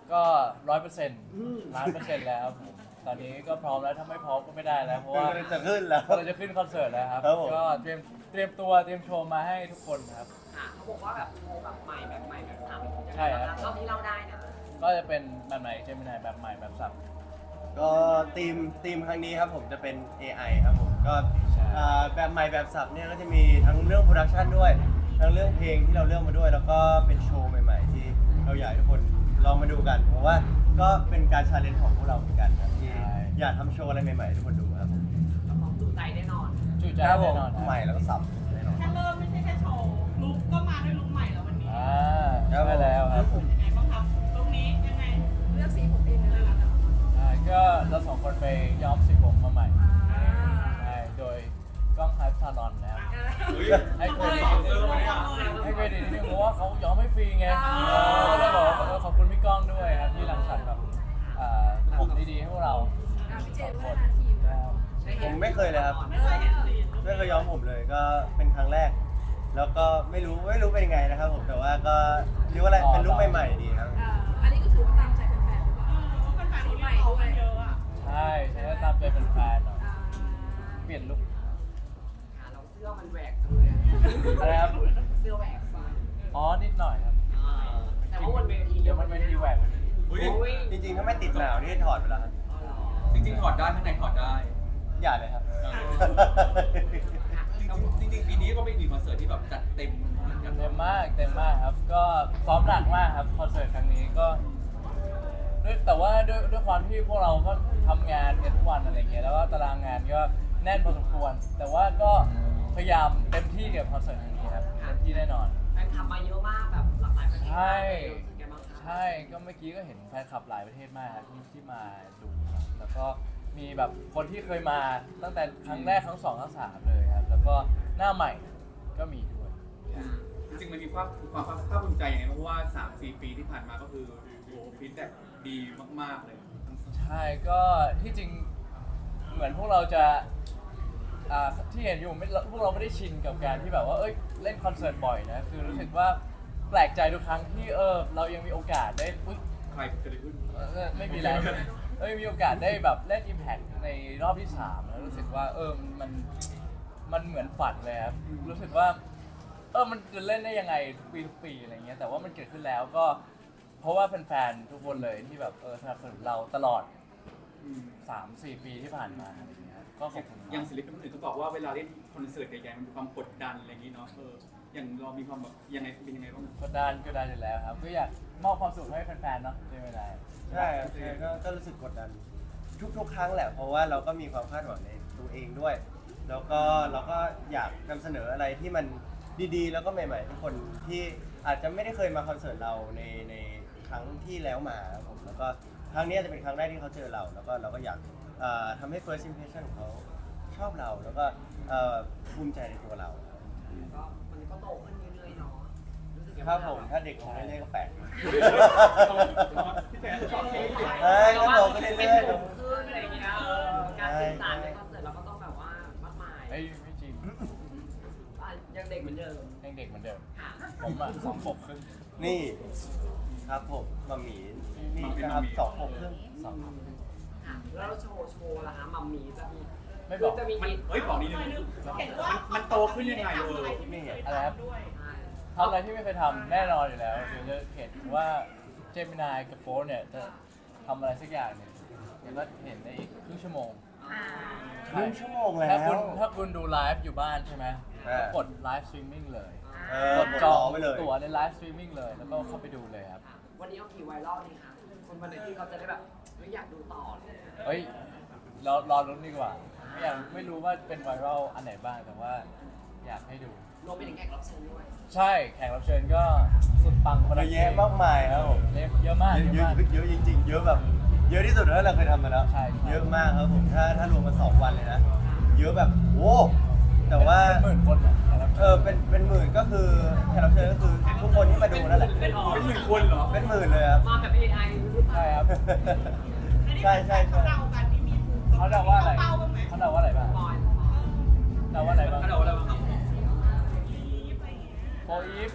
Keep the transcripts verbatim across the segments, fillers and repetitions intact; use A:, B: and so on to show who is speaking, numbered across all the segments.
A: ก็ร้อยเปอร์เซ็นต์ล้านเปอร์เซ็นต์แล้วผมตอนนี้ก็พร้อมแล้วถ้าไม่พร้อมก็ไม่ได้แล้วเพราะว่า
B: จะขึ้นแล้ว
A: เราจะขึ้นคอนเสิร์ตแล้วครับ
B: ครับผม
A: ก็เตรียมเตรียมตัวเตรียมโชว์มาให้ทุกคนครับ
C: ค่ะเขาบอกว่าแบบโชว์แบบใหม่แบบใหม่แบบซ้ำ
A: ใช่ครับ
C: เท่าที่เราได้นะ
A: ก็จะเป็นแบบไหนเจมินายแบบใหม่แบบสับ
B: ก็ทีมทีมครั้งนี้ครับผมจะเป็น เอ ไอ ครับผมก็
A: ใช่
B: อ่าแบบใหม่แบบสับเนี่ยก็จะมีทั้งเรื่องโปรดักชันด้วยทั้งเรื่องเพลงที่เราเลือกมาด้วย แล้วก็เป็นโชว์ใหม่ๆ ที่เราอยากให้ทุกคนลองมาดูกันเพราะว่าก็เป็นการชาเลนจ์ของพวกเราเหมือนกันครับที่อยากทำโชว์อะไรใหม่ๆให้ทุกคนดูครับผม
C: ของจุใจแน่นอน
A: จุใจ
B: ครับผ
A: แน่
B: ม
A: นอนครับ
B: ใหม่แล้วก็สับแน่นอน
D: แค่เริ่มไม่ใช่แค่โชว์ลุกก็มาด้วยลุกใหม่แล้ววันนี้
A: อ่า
B: ครับผม
A: ใช่แล้วครับผม
D: ยังไงบ้างครับลุกนี้ยังไง
E: เลือกสีผมเองเลยเหรอคะ
A: อ่าก็เราสองคนไปย้อมสีผมมาใหม่ใช่โดยกล้องไฮฟ์ซาลอนนะครับให้เครดิตนิดนึงให้เครดิตนิดนึงเพราะว่าเขาย้อมไม่ฟรีไงเออก็เลยบอกว่าเออขอบคุณพี่ก้องด้วยครับที่รังสรรค์แบบอ่าทำดีๆให้พวกเรา
E: อ่ะพี่เจ
A: สอน งค
E: ว่าน นาทีม
A: แล้ว
B: ผมไม่เคยเลยครับ
D: ไม่เคยเห็นสีลุก
B: ไม่เคยย้อมผมเลยก็เป็นครั้งแรก แล้วก็ไม่รู้ไม่รู้เป็นยังไงนะครับผมแต่ว่าก็เรียกว่าอะไรเป็นลุคใหม่ๆดีครับ
E: อ่าอันนี้ก็ถือว่าตามใจแฟนๆหรือเปล่า
D: เออว่าเป็นแฟนที่เรียกร้องกันเยอะอ่ะ
A: ใช่ใช่แล้วตามใจเป็นแฟนหน่อย
E: อ่า
A: เปลี่ยนลุค
C: ค่ะเราเสื้อมันแหวกจังเลยอะ
A: อะไรครับ
C: เสื้อแหวกไป
A: อ๋อนิดหน่อยครับ
C: อ่าแต่ว่าบนเวที
A: เดี๋ยวมันเป็นทีแหวกวันนี้
F: อุ๊ย
C: โอ้ย
B: จริงๆถ้าไม่ติดหนาวนี่ถอดไปแล้วครับ
C: อ๋อเหรอ
F: จริงๆถอดได้ข้างในถอดได้
B: อย่าเลยครับ
C: ค่ะ
F: จริงๆจริงๆปีนี้ก็เป็นอีกคอนเสิร์ตที่แบบจัดเต็มเหมือนกัน
A: เต็มมากเต็มมากครับ ก็ซ้อมหนักมากครับคอนเสิร์ตครั้งนี้ก็ด้วยแต่ว่าด้วยด้วยความที่พวกเราก็ทำงานกันทุกวันอะไรเงี้ยแล้วก็ตารางงานก็แน่นพอสมควร แต่ว่าก็พยายามเต็มที่กับคอนเสิร์ตครั้งนี้ครับเต็มที่แน่นอน
C: แฟนคลับมาเยอะมากแบบหลากหลายประเทศ
A: ใช่
C: รู้สึกยังไงบ้างคะ
A: ใช่ก็เมื่อกี้ก็เห็นแฟนคลับหลายประเทศมากครับที่ที่มาดูครับแล้วก็มีแบบคนที่เคยมาตั้งแต่ครั้งแรกครั้งสองครั้งสามเลยครับแล้วก็หน้าใหม่ก็มีด้วย
F: จริงๆมันมีความความภาคภูมิใจยังไงเพราะว่าสามสี่ปีที่ผ่านมาก็คือโอ้ฟีดแบ็กดีมากๆเลย
A: ใช่ก็ที่จริงเหมือนพวกเราจะอ่าที่เห็นอยู่ไม่พวกเราไม่ได้ชินกับการที่แบบว่าเอ้ยเล่นคอนเสิร์ตบ่อยนะคือรู้สึกว่าแปลกใจทุกครั้งที่เออเรายังมีโอกาสได้อุ๊ย
F: ใครจะได้ขึ้น
A: เออไม่มีแล้วเอ้ยมีโอกาสได้แบบเล่น Impact ในรอบที่สามแล้วรู้สึกว่าเออมันมันเหมือนฝันเลยครับรู้สึกว่าเออมันจะเล่นได้ยังไงทุกปีทุกปีอะไรเงี้ยแต่ว่ามันเกิดขึ้นแล้วก็เพราะว่าแฟนๆทุกคนเลยที่แบบเออสนับสนุนเราตลอด สามสี่ปีที่ผ่านมาอะไรอย่างเงี้ยก็ขอบคุณมาก
F: อย่างศิลปินคนอื่นเขาบอกว่าเวลาเล่นคอนเสิร์ตใหญ่ๆมันมีความกดดันอะไรอย่างนี้เนาะเอออย่างเรามีความแบบยังไงเป็นยังไงบ้าง
A: กดดันก็ได้อยู่แล้วครับก็อยากมอบความสุขให้แฟนๆเนาะใช่ไหมนาย
B: ใช่ครับใช่ก็ก็รู้สึกกดดันทุกๆ ครั้งแหละ เพราะว่าเราก็มีความคาดหวังในตัวเองด้วย แล้วก็เราก็อยากนำเสนออะไรที่มันดีๆ แล้วก็ใหม่ๆทุกคนที่อาจจะไม่ได้เคยมาคอนเสิร์ตเราในในครั้งที่แล้วมาครับผมแล้วก็ครั้งนี้จะเป็นครั้งแรกที่เขาเจอเรา แล้วก็เราก็อยากเอ่อทำให้ first impression ของเขาชอบเราแล้วก็เอ่อภูมิใจในตัวเรา
C: ก็มันก็โตขึ้นเรื่อยๆเนาะรู้สึกยัง
B: ค
C: ไง
B: รับผมถ้าเด็กของเรื่อยๆก็แปลก
F: พี่แจ๊คชอบ
B: เฮ้ยก็โตขึ้น
C: เป็น
B: เรื่อย
C: หนุ่มขึ้นอะไรอย่างเงี้ยเออการสื่อสารในคอนเสิร์ตเราก็ต้องแบบว่ามากมาย
A: เอ้ยไม่จริง
C: อ่ะยังเด็กเหมือนเดิม
A: ยังเด็กเหมือนเดิม
C: ค่ะ
A: ผมอ่ะสองขวบครึ่ง
B: ๆนี่ครับผมมัมหมีนี่นะครับสองผมครึ่ง
A: สองขวบครึ่ง
C: ค่ะแล้วโชว์โชว์ล่ะคะมัมมี่จะมี
A: ไม่บอก
C: จะมี
F: มันเฮ้ยบอกนิดนึง
D: เห็นว่า
F: มันโตขึ้นยังไงเออ
B: ที่ไม่เห็น
A: อะไรครับ
D: ด้วย
C: ใช่
A: ทำอะไรที่ไม่เคยทำแน่นอนอยู่แล้วเดี๋ยวจะเห็นว่าเจมินายกับโฟร์เนี่ยจะทำอะไรสักอย่างเนี่ยเดี๋ยวก็เห็นในอีกครึ่งชั่วโมง
C: อ่า
B: ครึ่งชั่วโมงแล้ว
A: ถ้าคุณถ้าคุณดูไลฟ์อยู่บ้านใช่ไหม
B: เออ
A: ก็กดไลฟ์สตรีมมิ่งเลย
B: เออก
A: ดจอง
B: ไปเลย
A: ตั๋วในไลฟ์สตรีมมิ่งเลยแล้วก็เข้าไปดูเลยครับ
C: ค่ะวันนี้เอากี่ไวรัลนี่คะคนวันไหนที่เขาจะได้แบบไม่อยากดูต่อเลย
A: เฮ้ยรอรอรุ้นดีกว่าไม่อยากไม่รู้ว่าเป็นไวรัลอันไหนบ้างแต่ว่าอยากให้ดู
C: รวมไปถึงแขกรับเชิญด้วย
A: ใช่แขกรับเชิญก็สุดปังคน
B: เย
A: ละ
B: อะแยะมากมายครับผม
A: เยอะเยอะมาก
B: เย
A: เย
B: อะ
A: อะ
B: เยอะ
A: มาก
B: เยอะจริงๆ เยอะแบบเยอะที่สุดแล้วเราเคยทำมาแล้ว
A: ใช่ใช่
B: เยอะมากครับผมถ้าถ้ารวมมาสองวันเลยนะเยอะแบบโอ้แต่ว่า
A: เป็นหมื่นคนอะแขกรับ
B: เอ
A: เชิ
B: อ
A: ญ
B: เป็นเป็นหมื่นก็คือแขกรับเชิญก็คือทุกคนที่มาดูนั่นแหละ
C: เป็นออ
F: เป็นหมื่นคนเหรอ
B: เป็นหมื่นเลยครับ
C: มาแบบ เอ ไอ
A: ใช่ครับ
B: ใช่ใช่ใช่
D: เขาเดากันที่มีภูมิ
A: เขาเดาว่าอะไร
D: เป้าบ้างไหม
A: เขาเดาว่าอะไรบ้าง
C: บอย
A: เดาว่าอะไรบ้าง
F: ถ้าเราเรา
D: อะไรอย่างเงี้ย
A: โฟอีฟ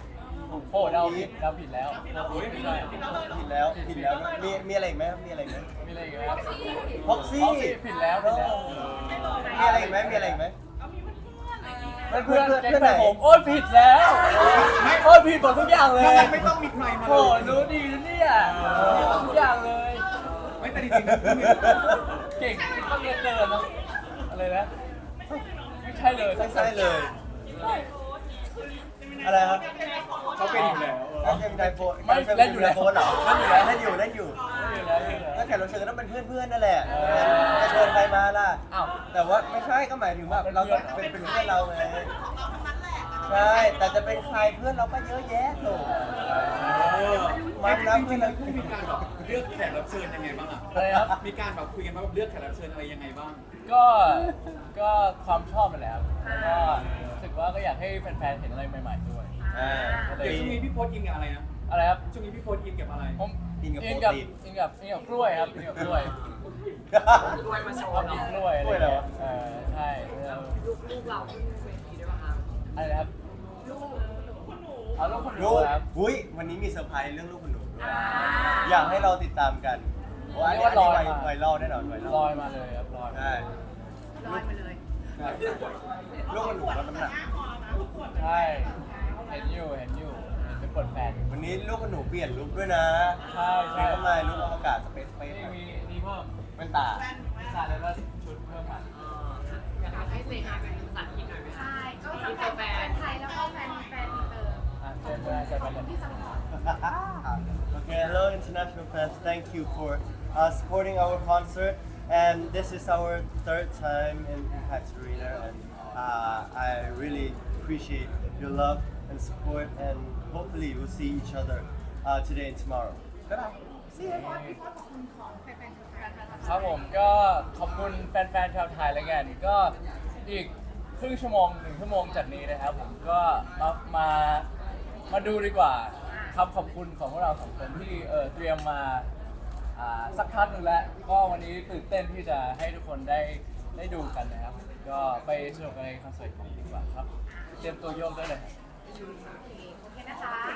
A: โอ้เราผิดเราผิดแล้วไม่ใช่
B: ผิดแล้วผิดแล้วมีมีอะไรอีกไหมครับมีอะไรอีกไหม
A: มีอะไรอีกไหมครับ
B: พ็อกซี่
A: อ๋อผิดแล้วผิดแล้ว
B: มีอะไรอีกไหมมีอะไรอีกไหม
D: เอามีเพื่อน
B: เพื่อน
A: เพื่
B: เพื่
A: อ
B: อน น เพื่อนไหน
A: แก๊งแฟนผมโอ้ยผิดแล้วโอ้ยผิดหมดทุกอย่างเลย
F: ไม่ต้องมีใครมา
A: โอ้
F: เลย
A: รู้ดีนะเนี่ยผิดหมดทุกอย่างเลย
F: ไม่แต่จริงๆคือ
A: เก่งก็เยอะเกินนะอะไรนะไม่ใช่เลย
B: ไม่ใช่เลย อะไรครับ
F: เขาเป็นอยู่แล้ว
B: การเต็มไดโฟน
A: ไม่เล่นอยู่แล้ว
B: โฟนเหรอ
A: เล่นอยู่แล้ว
B: เล่นอยู่เล่นอยู่
A: ไม่อยู่แล้วไม่อยู่แล้ว
B: ก็แขกรับเชิญก็ต้องเป็นเพื่อนๆนั่นแหละจะเชิญใครมาล่ะ
A: อ้าว
B: แต่ว่าไม่ใช่ก็หมายถึงว่าเราก็เป็นเป็นเพื่อนเราไงใช่แต่จะเป็นใครเพื่อนเราก็เยอะแยะโถมันนะ
F: จ
B: เพื่
F: ริ
B: อน
F: งๆ
B: เรา
F: แล้วคู่มีการแบบเลือกแขกรับเชิญยังไงบ้างอ่ะ
A: อะไรครับ
F: มีการแบบคุยกันว่าแบบเลือกแขกรับเชิญอะไรยังไงบ้าง
A: ก็ก็ความชอบมันแหละครับแล้วก็รู้สึกว่าก็อยากให้แฟนๆเห็นอะไรใหม่ๆด้วย
B: อ่า
F: เดี๋ยวช่วงนี้พี่โพสต์อินกับอะไรนะ
A: อะไรครับ
F: ช่วงนี้พี่โพสต์อินกับอะไร
A: ผม
B: กินกับ
A: อิ
B: โป
A: น
B: ร
A: กับ
B: ตีน
A: อินกับอินกับกล้วยครับอินกับกล้วย
C: รวยมาโช
A: ช
C: ว์
A: อบกิ
C: เนาะ
A: นกล้วยอะไร
B: กล้วยเหรอ
A: เงี้ยเออใช่เออ
C: ลูกลูกเราขึ้นเวทีด้วยป่ะคะ
A: อะไรนะครับ
C: ลูก
A: เอาลูกคนดู
B: ลูก
A: ครับ
B: อุ้ยวันนี้มีเซอร์ไพรส์เรื่องลูกคุณหนูด้วยอยากให้เราติดตามกันเพราะว่าอันนี้
A: เรี
B: อัน
A: ยก
B: นี้
A: ว่า
B: ไว
A: ลอยมา
B: ไวรัลแน่นอนไวรัล
A: ลอยมาเลยครับลอยมา
B: ใช่
C: ลอยมาเลย
B: ลูกคุณหนูลดน้ำหนัก
A: ใช่เห็นอยู่เห็นอยู่เห็นเป็นกดแฟน
B: วันนี้ลูกคุณหนูเปลี่ยนลุคด้วยนะ
A: ใช่ใช่
B: มีเข้ามาลุคอวกาศสเปซสเปซ
A: นี่มีนี่เพิ่ม
B: เป็นตา
A: ใช่แล้วก็ชุดเพิ่มมา
C: เออค่ะอยากให้เซฮายเป็นภาษาอังกฤษหน่อยไหมคะ
E: ใช่ก็ทั้งแฟนแฟนไทยแล้วก็แฟนแฟนอินเตอร์
A: อ่ะเชิญมาเชิญมาเลย
E: ที่ซัพพอร์ต
B: Okay, hello international fans. Thank you for uh, supporting our concert. And this is our third time in Impact Arena, and uh, I really appreciate your love and support. And hopefully, we'll see each other uh, today and tomorrow. Bye. See you.
E: พี่ฟอสขอบคุณของแฟนแฟนไทย
A: ครับผมก็ขอบคุณแฟนๆชาวไทยแล้วกันก็อีกครึ่งชั่วโมงหนึ่งชั่วโมงจากนี้นะครับผมก็มามามาดูดีกว่าคำขอบคุณของพวกเราสองคนที่เออเตรียมมาอ่าสักพักหนึ่งแล้วก็วันนี้ตื่นเต้นที่จะให้ทุกคนได้ได้ดูกันนะครับก็ไปสนุกกันในคอนเสิร์ตของดีกว่าครับเตรียมตัวโยกได้เลย
E: โอเคนะคะ